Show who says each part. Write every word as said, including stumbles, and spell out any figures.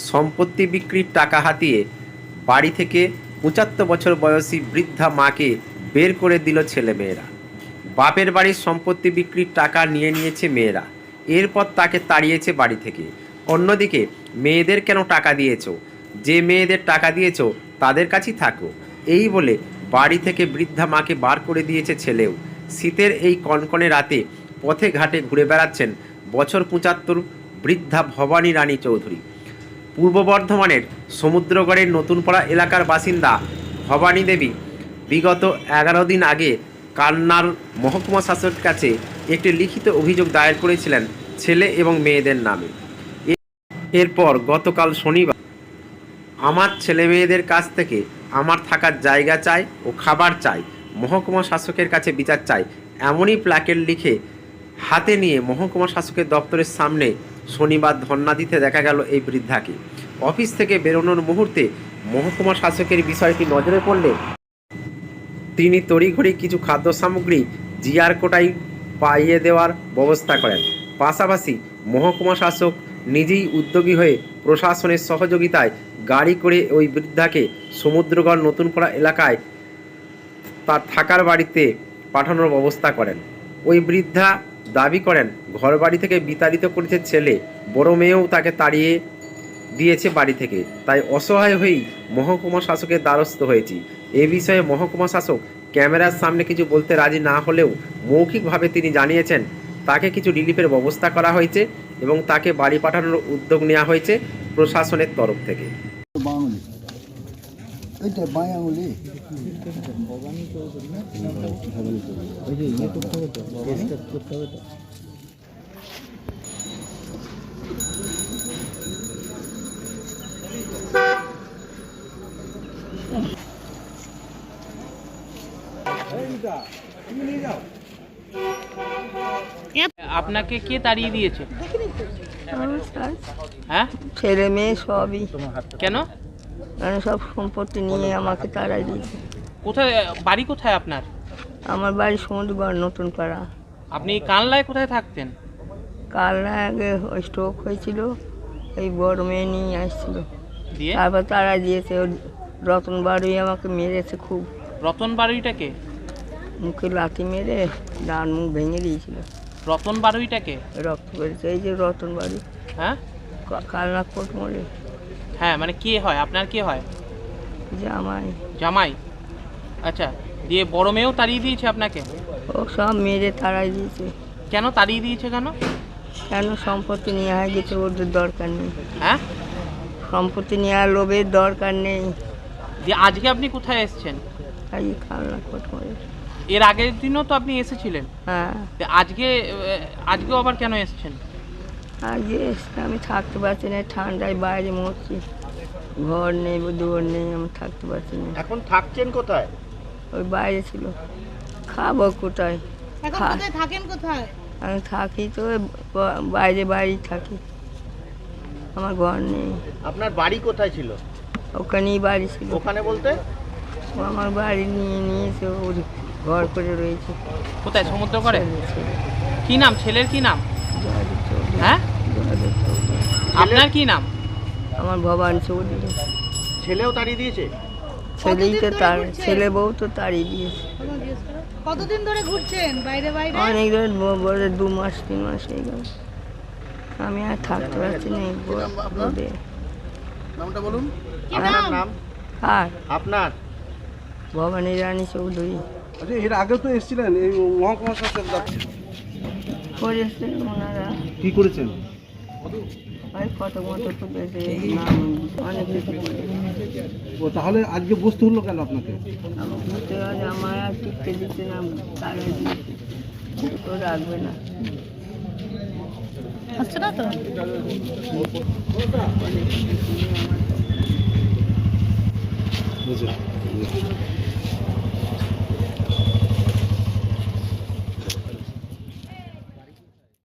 Speaker 1: সম্পত্তি বিক্রির টাকা হাতিয়ে বাড়ি থেকে পঁচাত্তর বছর বয়সী বৃদ্ধা মাকে বের করে দিল ছেলেমেয়েরা। বাপের বাড়ির সম্পত্তি বিক্রির টাকা নিয়ে নিয়েছে মেয়েরা, এরপর তাকে তাড়িয়েছে বাড়ি থেকে। অন্যদিকে মেয়েদের কেন টাকা দিয়েছো, যে মেয়েদের টাকা দিয়েছো তাদের কাছেই থাকো, এই বলে বাড়ি থেকে বৃদ্ধা মাকে বার করে দিয়েছে ছেলেও। শীতের এই কনকনে রাতে পথে ঘাটে ঘুরে বেড়াচ্ছেন বছর পঁচাত্তর বৃদ্ধা ভবানী রানী চৌধুরী। পূর্ব বর্ধমানের সমুদ্রগড়ের নতুনপাড়া এলাকার বাসিন্দা ভবানী দেবী বিগত এগারো দিন আগে কান্নার মহকুমা শাসকের কাছে একটি লিখিত অভিযোগ দায়ের করেছিলেন ছেলে এবং মেয়েদের নামে। এরপর গতকাল শনিবার আমার ছেলে মেয়েদের কাছ থেকে আমার থাকার জায়গা চাই ও খাবার চাই, মহকুমা শাসকের কাছে বিচার চাই, এমনই প্ল্যাকেট লিখে হাতে নিয়ে মহকুমা শাসকের দপ্তরের সামনে শনিবার ধর্ণা দিতে দেখা গেল এই বৃদ্ধাকে। অফিস থেকে বেরোনোর মুহূর্তে মহকুমা শাসকের বিষয়টি নজরে পড়লে তিনি তড়িঘড়ি কিছু খাদ্য সামগ্রী জিআর কোটায় পাইয়ে দেওয়ার ব্যবস্থা করেন। পাশাপাশি মহকুমা শাসক নিজেই উদ্যোগী হয়ে প্রশাসনের সহযোগিতায় গাড়ি করে ওই বৃদ্ধাকে সমুদ্রগড় নতুনপাড়া এলাকায় তার থাকার বাড়িতে পাঠানোর ব্যবস্থা করেন। ওই বৃদ্ধা দাবি করেন ঘরবাড়ি থেকে বিতাড়িত করেছে ছেলে, বড় মেয়েও তাকে তাড়িয়ে দিয়েছে বাড়ি থেকে, তাই অসহায় হয়েই মহকুমা শাসকের দ্বারস্থ হয়েছি। এ বিষয়ে মহকুমা শাসক ক্যামেরার সামনে কিছু বলতে রাজি না হলেও মৌখিকভাবে তিনি জানিয়েছেন তাকে কিছু রিলিফের ব্যবস্থা করা হয়েছে এবং তাকে বাড়ি পাঠানোর উদ্যোগ নেওয়া হয়েছে প্রশাসনের তরফ থেকে।
Speaker 2: আপনাকে কে তাড়িয়ে দিয়েছে? হ্যাঁ,
Speaker 3: ছেলে মেয়ে সবই।
Speaker 2: কেন?
Speaker 3: মানে সব সম্পত্তি নিয়ে আমাকে তাড়াই দিয়েছে।
Speaker 2: কোথায় বাড়ি? কোথায় আপনার?
Speaker 3: আমার বাড়ি সমুদ্রগড় নতুন পাড়া।
Speaker 2: আপনি কানলায় কোথায় থাকতেন?
Speaker 3: কাল না আগে স্ট্রোক হয়েছিল, এই বড় মেয়ে নিয়ে আসছিল,
Speaker 2: দিয়ে
Speaker 3: তারপর তাড়াই দিয়েছে। ওর রতন বাড়ি আমাকে মেরেছে খুব।
Speaker 2: রতন বাড়িটাকে?
Speaker 3: মুখে লাথি মেরে ডান মুখ ভেঙে দিয়েছিল।
Speaker 2: রতন বাড়িটাকে?
Speaker 3: রক্ত বেড়েছে, এই যে রতন বাড়ি।
Speaker 2: হ্যাঁ,
Speaker 3: কালনা কোট মোড়ে।
Speaker 2: হ্যাঁ, মানে কে হয় আপনার? কে হয়?
Speaker 3: জামাই।
Speaker 2: জামাই? আচ্ছা, দিয়ে বড় মেয়েও তাড়িয়ে দিয়েছে আপনাকে?
Speaker 3: ও সব মেরে তাড়াই দিয়েছে।
Speaker 2: কেন তাড়িয়ে দিয়েছে? কেন?
Speaker 3: কেন? সম্পত্তি নেওয়া হয়ে গেছে, ওদের দরকার নেই।
Speaker 2: হ্যাঁ,
Speaker 3: সম্পত্তি নেওয়ার লোভের দরকার নেই।
Speaker 2: দিয়ে আজকে আপনি কোথায় এসেছেন?
Speaker 3: এই কালনা কোট মোড়ে।
Speaker 2: এর আগের দিনও তো আপনি এসেছিলেন।
Speaker 3: হ্যাঁ,
Speaker 2: আজকে আজকেও আবার কেন এসেছেন?
Speaker 3: আজকে এসে আমি থাকতে পারছি না, ঠান্ডায় বাইরে মরছি, ঘর নেই, দুয়ার নেই, আমি থাকতে পারছি না।
Speaker 4: এখন থাকছেন কোথায়?
Speaker 3: ওই বাইরে ছিল। খাবো কোথায়?
Speaker 5: এখন কোথায় থাকেন? কোথায়?
Speaker 3: আমি থাকি তো ব- বাইরে বাড়ি থাকি, আমার ঘর নেই।
Speaker 4: আপনার বাড়ি কোথায় ছিল?
Speaker 3: ওখানেই বাড়ি ছিল।
Speaker 4: ওখানে বলতে?
Speaker 3: ও আমার বাড়ি নিয়ে নিয়েছে, ওর ঘর করে রয়েছে।
Speaker 2: কোথায়? সমুদ্র করে?
Speaker 3: ছেলে, ছেলে।
Speaker 2: কি নাম ছেলের? কি নাম?
Speaker 3: জয়দেব চৌধুরী।
Speaker 2: হ্যাঁ,
Speaker 3: জয়দেব চৌধুরী।
Speaker 2: আপনার কি নাম?
Speaker 3: আমার ভবানী চৌধুরী।
Speaker 4: ছেলেও তাড়িয়ে দিয়েছে?
Speaker 3: ছেলেই তো
Speaker 5: কতদিন ধরে
Speaker 3: তার
Speaker 5: ঘুরছেন?
Speaker 3: ছেলে বউ তো তাড়িয়ে দিয়েছে।
Speaker 5: কতদিন ধরে ঘুরছেন বাইরে বাইরে?
Speaker 3: অনেক ধরে বলে দু মাস তিন মাস হয়ে গেল, আমি আর থাকতে পারছি না। এই ব- রোদে।
Speaker 4: নামটা বলুন।
Speaker 5: কি
Speaker 4: আপনার
Speaker 5: নাম?
Speaker 4: নাম?
Speaker 3: আর
Speaker 4: আপনার?
Speaker 3: ভবানী রানী চৌধুরী।
Speaker 6: আচ্ছা, এর আগে তো এসেছিলেন এই মহকুমা শাসক দপ্তরে।
Speaker 3: করেছেন ওনারা,
Speaker 6: কি করেছেন?
Speaker 3: ওই কত মতো তুলেছে, নাম অনেক কিছু করেছে।
Speaker 6: ও তাহলে আজকে বুঝতে হলো কেন আপনাকে?
Speaker 3: আমার ঘুরতে গেলে আমার আর টিকতে দিতে না, তারা দিয়েছে তো রাখবে না।
Speaker 5: হচ্ছে না তো?
Speaker 6: বুঝলেন?